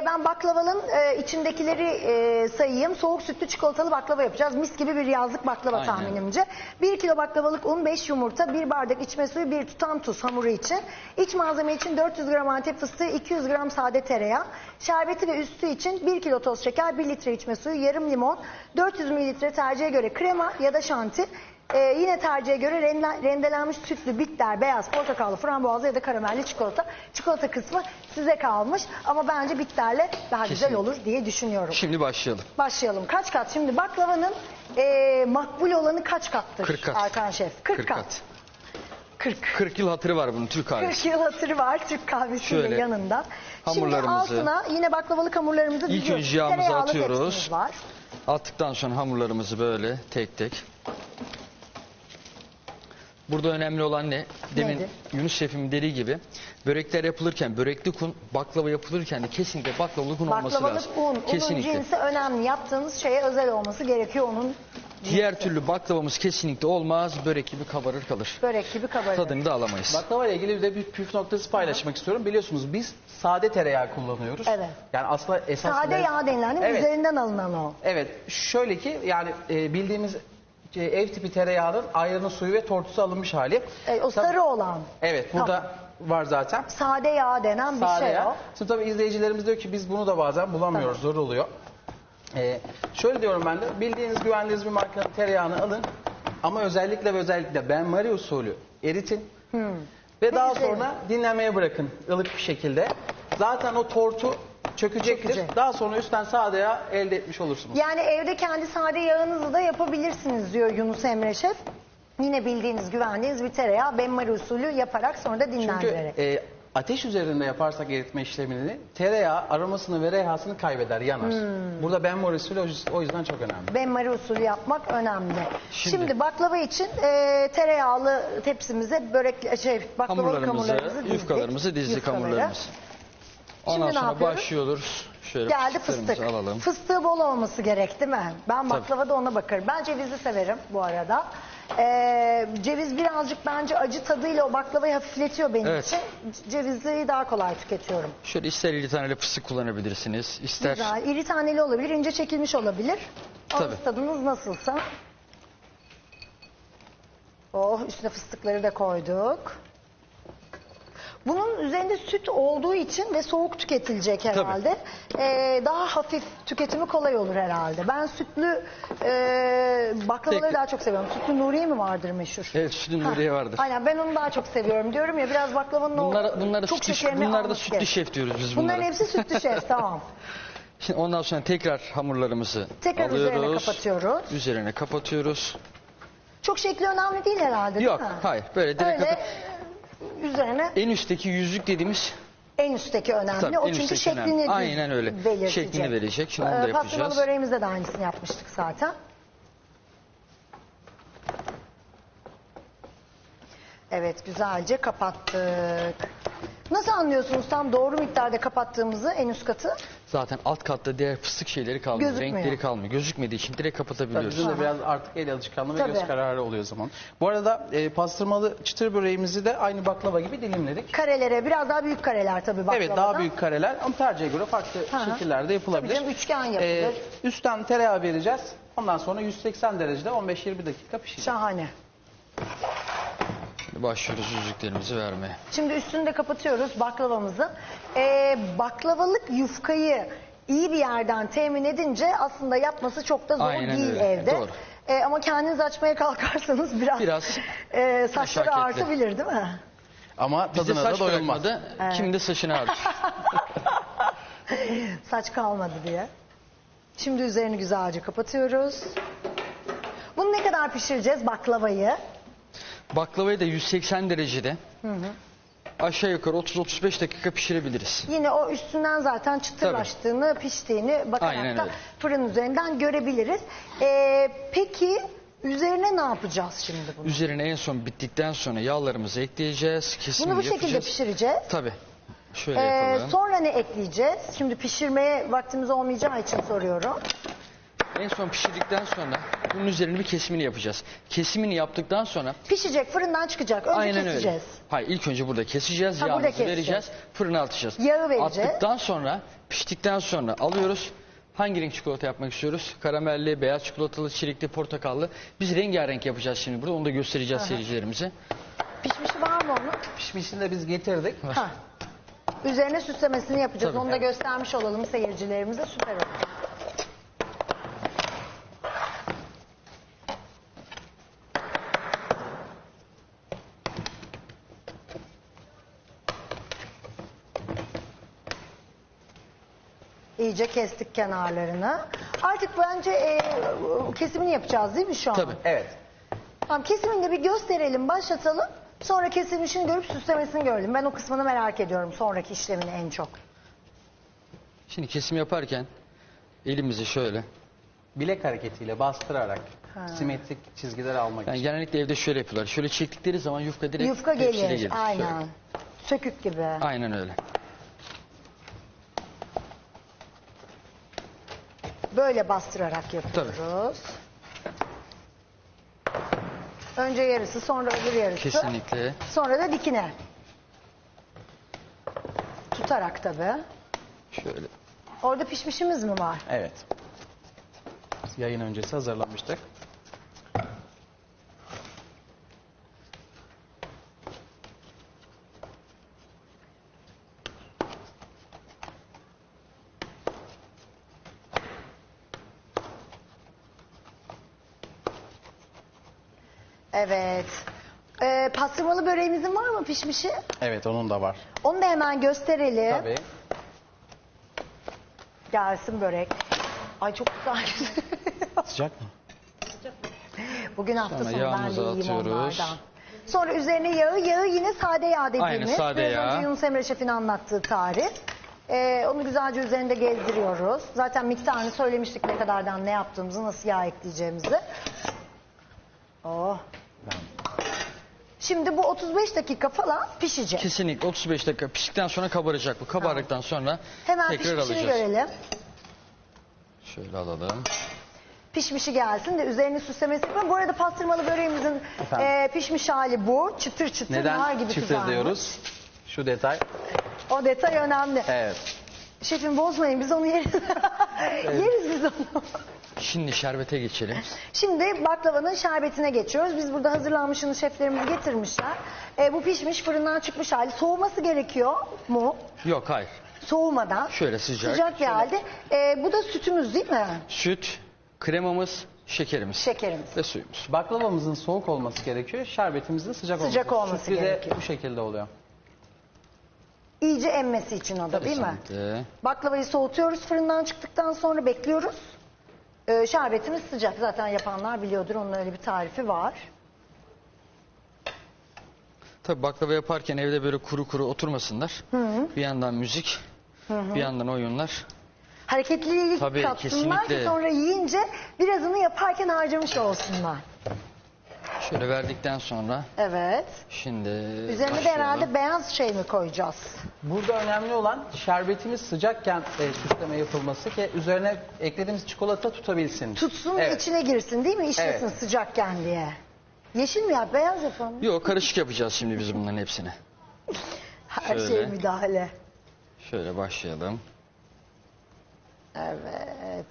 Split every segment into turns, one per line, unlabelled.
Ben baklavanın içindekileri sayayım. Soğuk sütlü çikolatalı baklava yapacağız. Mis gibi bir yazlık baklava. Aynen. Tahminimce. 1 kilo baklavalık un, 5 yumurta, 1 bardak içme suyu, 1 tutam tuz hamuru için. İç malzeme için 400 gram Antep fıstığı, 200 gram sade tereyağı. Şerbeti ve üstü için 1 kilo toz şeker, 1 litre içme suyu, yarım limon, 400 mililitre tercihe göre krema ya da şanti. Yine tercihe göre rendelenmiş sütlü, bitter, beyaz, portakallı, frambuazlı ya da karamelli çikolata. Çikolata kısmı size kalmış ama bence bitterle daha güzel olur diye düşünüyorum.
Şimdi başlayalım.
Başlayalım. Kaç kat? Şimdi baklavanın makbul olanı kaç kattır?
40 kat.
Erkan Şef. 40 kat.
40 yıl hatırı var bunun Türk kahvesi.
40 yıl hatırı var Türk kahvesiyle
şöyle,
yanında. Şimdi
hamurlarımızı,
altına yine baklavalık hamurlarımızı
İlk
diziyoruz.
önce yağımızı
Tereyağlı
atıyoruz.
tepsimiz var.
Attıktan sonra hamurlarımızı böyle tek tek. Burada önemli olan ne? Demin
nedir?
Yunus Şef'im dediği gibi börekler yapılırken, börekli un, baklava yapılırken de kesinlikle baklavalık un olması
Baklavalık
lazım.
un,
Kesinlikle.
unun cinsi önemli. Yaptığınız şeye özel olması gerekiyor onun cinsi.
Diğer türlü baklavamız kesinlikle olmaz. Börek gibi kabarır kalır.
Börek gibi kabarır.
Tadını da alamayız.
Baklava ile ilgili bir de bir püf noktası paylaşmak istiyorum. Biliyorsunuz biz sade tereyağı kullanıyoruz.
Evet.
Yani aslında esas
Sade yağ denilen değil mi?
Evet.
Üzerinden alınan o.
Evet. Şöyle ki yani bildiğimiz ev tipi tereyağının ayranı, suyu ve tortusu alınmış hali.
O sarı olan.
Evet. Burada var zaten.
Sade yağ denen bir
Sade
şey
yağ.
o.
Şimdi tabii izleyicilerimiz diyor ki biz bunu da bazen bulamıyoruz. Zor oluyor. Şöyle diyorum ben de. Bildiğiniz, güvendiğiniz bir markanın tereyağını alın. Ama özellikle ve özellikle benmari usulü eritin. Ve daha sonra dinlenmeye bırakın ılık bir şekilde. Zaten o tortu çökecektir. Daha sonra üstten sade yağ elde etmiş olursunuz.
Yani evde kendi sade yağınızı da yapabilirsiniz diyor Yunus Emre Şef. Yine bildiğiniz, güvendiğiniz bir tereyağı benmari usulü yaparak sonra da dinlendirerek.
Çünkü ateş üzerinde yaparsak eritme işlemini tereyağı aromasını ve reyhasını kaybeder, yanar. Burada benmari usulü o yüzden çok önemli.
Benmari usulü yapmak önemli. Şimdi baklava için tereyağlı tepsimize baklavalık hamurlarımızı dizdik.
Yufkalarımızı dizdik, hamurlarımızı. Ondan
Şimdi
sonra başlıyoruz. Şöyle
geldi fıstık.
alalım.
Fıstığı bol olması gerek değil mi? Ben baklavada ona bakarım. Ben cevizi severim bu arada. Ceviz birazcık bence acı tadıyla o baklavayı hafifletiyor benim için. Cevizli daha kolay tüketiyorum.
Şöyle ister iri taneli fıstık kullanabilirsiniz. İster...
Güzel. İri taneli olabilir, ince çekilmiş olabilir. Ağız tadınız nasılsa. Oh, üstüne fıstıkları da koyduk. Bunun üzerinde süt olduğu için ve soğuk tüketilecek herhalde. Daha hafif, tüketimi kolay olur herhalde. Ben sütlü baklavaları daha çok seviyorum. Sütlü Nuriye mi vardır meşhur?
Evet, sütlü Nuriye vardır.
Aynen, ben onu daha çok seviyorum diyorum ya, biraz baklavanın
bunlar
çok şekerini
bunlar da sütlü şef diyoruz biz bunlara.
Bunların hepsi sütlü şef, tamam.
Şimdi ondan sonra tekrar hamurlarımızı alıyoruz.
Üzerine kapatıyoruz.
Üzerine kapatıyoruz.
Çok şekli önemli değil herhalde, değil mi?
Yok, hayır. Böyle direkt
üzerine
en üstteki yüzük dediğimiz
en üstteki önemli.
Tabii,
o çünkü şeklini
aynen öyle.
belirtecek.
Şeklini verecek. Şimdi onu da yapacağız.
Pastırmalı böreğimizde de aynısını yapmıştık zaten. Evet, güzelce kapattık. Nasıl anlıyorsunuz tam doğru miktarda kapattığımızı, en üst katı?
Zaten alt katta diğer fıstık şeyleri kalmıyor.
Gözükmüyor.
Renkleri kalmıyor. Gözükmediği için direkt kapatabiliyoruz.
Bizim de biraz artık el alışkanlığı ve göz kararı oluyor o zaman. Bu arada pastırmalı çıtır böreğimizi de aynı baklava gibi dilimledik.
Karelere, biraz daha büyük kareler tabii baklavadan.
Evet, daha büyük kareler ama tercihe göre farklı şekillerde yapılabilir.
Tabii canım, üçgen yapılır.
Üstten tereyağı vereceğiz. Ondan sonra 180 derecede 15-20 dakika pişecek.
Şahane.
Başlıyoruz yüzüklerimizi vermeye.
Şimdi üstünü de kapatıyoruz baklavamızı. Baklavalık yufkayı iyi bir yerden temin edince aslında yapması çok da zor değil evde.
Doğru.
Ama kendiniz açmaya kalkarsanız biraz saçları artabilir değil mi?
Ama tadına da doyulmaz.
Kim de saçını ağrır.
Saç kalmadı diye. Şimdi üzerini güzelce kapatıyoruz. Bunu ne kadar pişireceğiz baklavayı?
Baklavayı da 180 derecede aşağı yukarı 30-35 dakika pişirebiliriz.
Yine o üstünden zaten çıtırlaştığını, piştiğini bakarak da fırın üzerinden görebiliriz. Peki üzerine ne yapacağız şimdi bunu?
Üzerine en son bittikten sonra yağlarımızı ekleyeceğiz.
Bunu bu şekilde pişireceğiz.
Tabii. Şöyle yapalım.
Sonra ne ekleyeceğiz? Şimdi pişirmeye vaktimiz olmayacağı için soruyorum.
En son pişirdikten sonra Bunun üzerine bir kesimini yapacağız. Kesimini yaptıktan sonra
Pişecek, fırından çıkacak. Önce
aynen
keseceğiz.
öyle. Hayır, ilk önce burada keseceğiz,
Ha, burada
yağımızı
keseceğiz.
vereceğiz, fırına atacağız.
Yağı vereceğiz.
Attıktan sonra, piştikten sonra alıyoruz. Hangi renk çikolata yapmak istiyoruz? Karamelli, beyaz çikolatalı, çilekli, portakallı. Biz rengarenk yapacağız şimdi burada. Onu da göstereceğiz seyircilerimize.
Pişmişi var mı onun?
Pişmişini de biz getirdik.
Ha. Üzerine süslemesini yapacağız.
Tabii.
Onu da göstermiş olalım seyircilerimize. Süper olur. İyice kestik kenarlarını. Artık bence kesimini yapacağız değil mi şu an?
Tabii.
Evet.
Tamam, kesimini de bir gösterelim, başlatalım. Sonra kesilmişini görüp süslemesini görelim. Ben o kısmını merak ediyorum, sonraki işlemini en çok.
Şimdi kesim yaparken elimizi şöyle.
Bilek hareketiyle bastırarak simetrik çizgiler almak
Yani
için.
genellikle evde şöyle yapıyorlar. Şöyle çektikleri zaman yufka direkt
Yufka
tepsiye
gelir,
Şöyle.
aynen. Sökük gibi.
Aynen öyle.
Böyle bastırarak yapıyoruz. Önce yarısı, sonra öbür yarısı.
Kesinlikle.
Sonra da dikine. Tutarak tabii.
Şöyle.
Orada pişmişimiz mi var?
Evet. Yayın öncesi hazırlamıştık.
Evet. Pastırmalı böreğimizin var mı pişmişi?
Evet, onun da var.
Onu da hemen gösterelim.
Tabii.
Gelsin börek. Ay çok güzel.
Sıcak mı?
Bugün hafta
Sonra
sonu ben de
yağımızı
yiyeyim
atıyoruz.
onlardan. Sonra üzerine yağı yine sade yağ dediğimiz.
Aynen, sade
Biraz
yağ.
önce Yunus Emre Şef'in anlattığı tarif. Onu güzelce üzerinde gezdiriyoruz. Zaten miktarını söylemiştik, ne kadardan ne yaptığımızı, nasıl yağ ekleyeceğimizi. Oh. Şimdi bu 35 dakika falan pişecek.
Kesinlikle 35 dakika piştikten sonra kabaracak bu. Kabardıktan sonra
Hemen
tekrar
pişmişini
alacağız.
görelim.
Şöyle alalım.
Pişmişi gelsin de üzerini süslemesi yapalım. Bu arada pastırmalı böreğimizin
Efendim?
pişmiş hali bu. Çıtır çıtır, nar
Neden
gibi
çift
kızarmış.
diyoruz? Şu detay.
O detay önemli.
Evet.
Şefim bozmayın, biz onu yeriz. Yeriz biz onu.
Şimdi şerbete geçelim.
Şimdi baklavanın şerbetine geçiyoruz. Biz burada hazırlanmışını şeflerimiz getirmişler. Bu pişmiş, fırından çıkmış hali. Soğuması gerekiyor mu?
Yok, hayır.
Soğumadan.
Şöyle sıcak.
Sıcak bir halde. Bu da sütümüz değil mi?
Süt, kremamız, şekerimiz
Şekerimiz.
ve suyumuz.
Baklavamızın soğuk olması gerekiyor. Şerbetimizin sıcak olması.
Sıcak olması
Sütlü de
gerekiyor.
bu şekilde oluyor.
İyice emmesi için o da değil mi?
Kesinlikle.
Baklavayı soğutuyoruz, fırından çıktıktan sonra bekliyoruz. Şerbetimiz sıcak. Zaten yapanlar biliyordur, onun öyle bir tarifi var.
Tabii baklava yaparken evde böyle kuru kuru oturmasınlar. Bir yandan müzik, bir yandan oyunlar.
Hareketliliği
Tabii,
katsınlar ki
kesinlikle.
sonra yiyince birazını yaparken harcamış olsunlar.
Şöyle verdikten sonra
Evet.
şimdi
Üzerine de
başlayalım.
herhalde beyaz şey mi koyacağız?
Burada önemli olan şerbetimiz sıcakken süsleme yapılması ki üzerine eklediğimiz çikolata tutabilsin.
Tutsun,
Evet.
içine girsin değil mi? İşlesin
Evet.
sıcakken diye. Yeşil mi yap, beyaz yapalım?
Yok, karışık yapacağız şimdi biz bunların hepsini.
Her
Şöyle.
şey müdahale.
Şöyle başlayalım.
Evet.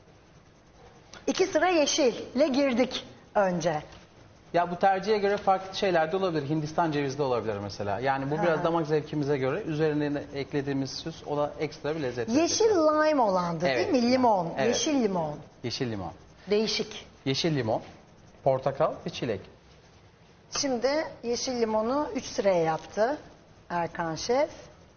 2 sıra yeşille girdik önce.
Ya bu tercihe göre farklı şeyler de olabilir. Hindistan cevizi de olabilir mesela. Yani bu biraz damak zevkimize göre üzerine eklediğimiz süs ona ekstra bir lezzet
Yeşil
verecek.
lime olandı
Evet.
değil mi? Limon.
Evet.
Yeşil limon.
Yeşil limon.
Değişik.
Yeşil limon, portakal ve çilek.
Şimdi yeşil limonu 3 sıraya yaptı Erkan Şef.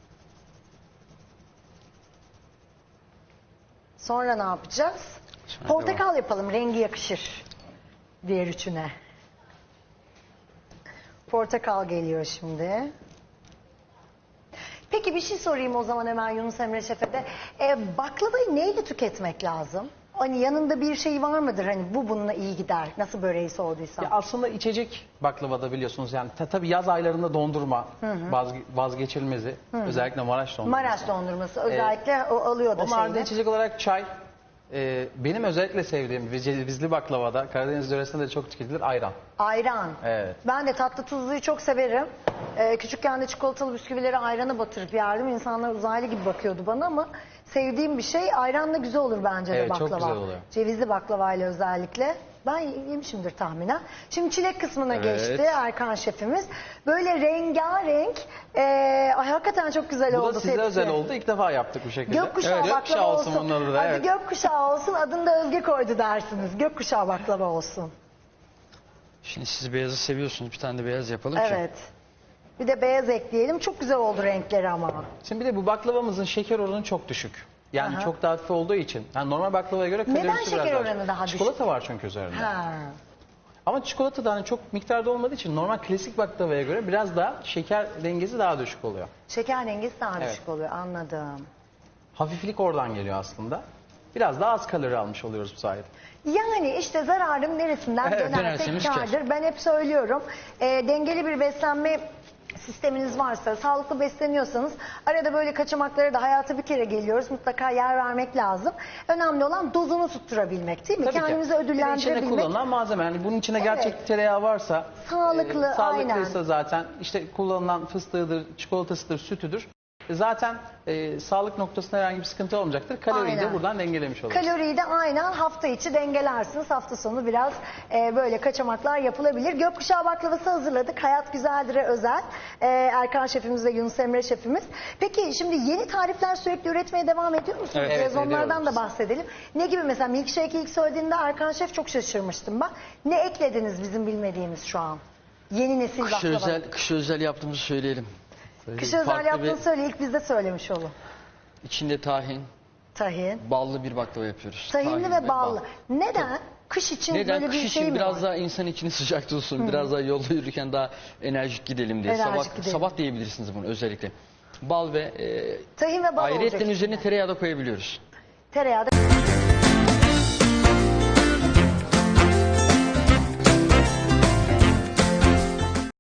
Sonra ne yapacağız?
Sonra
Portakal yapalım, rengi yakışır diğer üçüne. Portakal geliyor şimdi. Peki bir şey sorayım o zaman hemen Yunus Emre Şef'e de. Baklavayı neyle tüketmek lazım? Hani yanında bir şey var mıdır? Hani bu bununla iyi gider. Nasıl böreği sorduysam.
Ya aslında içecek baklavada biliyorsunuz yani tabii yaz aylarında dondurma vazgeçilmezi. Özellikle Maraş dondurması.
Maraş dondurması özellikle o alıyor da
Onun haricinde
şeyini.
içecek olarak çay Benim özellikle sevdiğim ve cevizli baklavada, Karadeniz yöresinde de çok tüketilir, ayran.
Ayran.
Evet.
Ben de tatlı tuzluyu çok severim. Küçükken de çikolatalı bisküvileri ayrana batırıp yerdim. İnsanlar uzaylı gibi bakıyordu bana ama sevdiğim bir şey. Ayranla güzel olur bence de
Evet,
baklava.
çok güzel oluyor.
Cevizli baklavayla özellikle. Ben yemişimdir tahminen. Şimdi çilek kısmına
Evet.
geçti Erkan şefimiz. Böyle rengarenk. Ay hakikaten çok güzel
Bu
oldu.
da size
tepsi.
özel oldu. İlk defa yaptık bu şekilde.
Gökkuşağı
Evet,
baklava
gökkuşağı
olsun.
bunun adı da.
Hadi
Evet.
gökkuşağı olsun. Adını da Özge koydu dersiniz. Gökkuşağı baklava olsun.
Şimdi siz beyazı seviyorsunuz. Bir tane de beyaz yapalım ki.
Evet. Bir de beyaz ekleyelim. Çok güzel oldu renkleri ama.
Şimdi bir de bu baklavamızın şeker oranı çok düşük. Yani
Aha.
çok daha hafif olduğu için. Yani normal baklavaya göre kalorisi
Neden
biraz
şeker
daha
oranı
düşük.
daha düşük?
Çikolata var çünkü üzerinde.
Ha.
Ama çikolata da hani çok miktarda olmadığı için normal klasik baklavaya göre biraz daha şeker dengesi daha düşük oluyor.
Şeker dengesi daha
Evet.
düşük oluyor. Anladım.
Hafiflik oradan geliyor aslında. Biraz daha az kalori almış oluyoruz bu sayede.
Yani işte zararın neresinden
Evet,
dönersek
dönerseniz kâr.
kârdır. Ben hep söylüyorum. Dengeli bir beslenme sisteminiz varsa, sağlıklı besleniyorsanız arada böyle kaçamaklara da hayata bir kere geliyoruz. Mutlaka yer vermek lazım. Önemli olan dozunu tutturabilmek değil mi?
Tabii ki.
Kendimizi
Bir de içinde
ödüllendirebilmek.
kullanılan malzeme. Yani bunun içine
Evet.
gerçek tereyağı varsa,
Sağlıklı,
sağlıklıysa zaten işte kullanılan fıstığıdır, çikolatasıdır, sütüdür. Zaten sağlık noktasında herhangi bir sıkıntı olmayacaktır. Kaloriyi de
Aynen.
buradan dengelemiş oluruz.
Kaloriyi de aynen hafta içi dengelersiniz. Hafta sonu biraz böyle kaçamaklar yapılabilir. Gökkuşağı baklavası hazırladık. Hayat Güzeldir'e özel. Erkan şefimiz ve Yunus Emre şefimiz. Peki şimdi yeni tarifler sürekli üretmeye devam ediyor musunuz?
Evet,
Biraz onlardan
ediyoruz.
da bahsedelim. Ne gibi mesela milkshake'i ilk söylediğinde Erkan şef çok şaşırmıştım ben. Ne eklediniz bizim bilmediğimiz şu an? Yeni nesil baklava.
Kış özel yaptığımızı söyleyelim.
Kış özel
Farklı
yaptığını
bir-
söyle. İlk biz de söylemiş olun.
İçinde tahin,
Tahin.
ballı bir baklava yapıyoruz.
Tahinli
Tahin
ve ballı. Neden? Kış için
Neden?
böyle
Kış
bir
için
şey mi
biraz
var?
daha insan içini sıcak tutsun, biraz daha yolda yürürken daha enerjik gidelim diye.
Enerjik
Sabah,
gidelim.
sabah diyebilirsiniz bunu özellikle. Bal ve
Tahin ve bal olacak
ayrıyetten
içinde.
üzerine tereyağı da koyabiliyoruz.
Tereyağı da